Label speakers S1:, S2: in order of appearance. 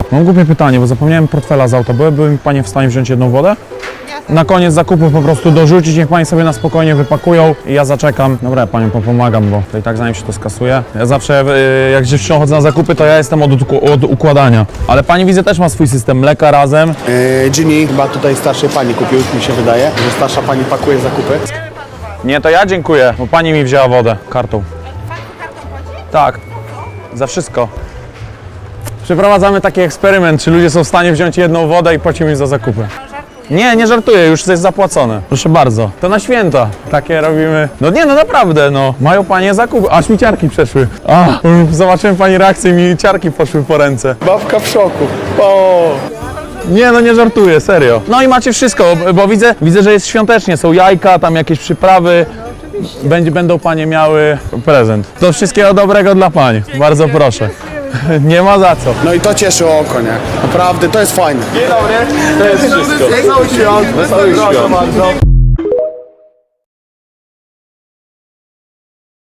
S1: Mam głupie pytanie, bo zapomniałem portfela z auta. Byłyby mi Panie w stanie wziąć jedną wodę? Na koniec zakupu po prostu dorzucić, niech Pani sobie na spokojnie wypakują i ja zaczekam. Dobra, ja Panią popomagam, bo to i tak zanim się to skasuje. Ja zawsze jak z dziewczyną chodzę na zakupy, to ja jestem od układania. Ale Pani widzę też ma swój system mleka razem.
S2: Ginny chyba tutaj starszej pani kupił, mi się wydaje, że starsza pani pakuje zakupy.
S1: Nie, to ja dziękuję, bo Pani mi wzięła wodę kartą. Tak, za wszystko. Przeprowadzamy taki eksperyment, czy ludzie są w stanie wziąć jedną wodę i płacimy za zakupy. Nie, nie żartuję, już jest zapłacone. Proszę bardzo. To na święta. Takie robimy. No nie, no naprawdę, no. Mają Panie zakupy. Aż mi ciarki przeszły. Zobaczyłem Pani reakcję i mi ciarki poszły po ręce.
S2: Babka w szoku. O!
S1: Nie, no nie żartuję, serio. No i macie wszystko, bo widzę, że jest świątecznie. Są jajka, tam jakieś przyprawy. Będą Panie miały prezent. To wszystkiego dobrego dla Pań. Bardzo proszę. Nie ma za co.
S2: No i to cieszy oko, nie? Naprawdę, to jest fajne.
S1: Dzień dobry. To jest wszystko.
S2: Wesołych świąt.
S1: Wesołych świąt.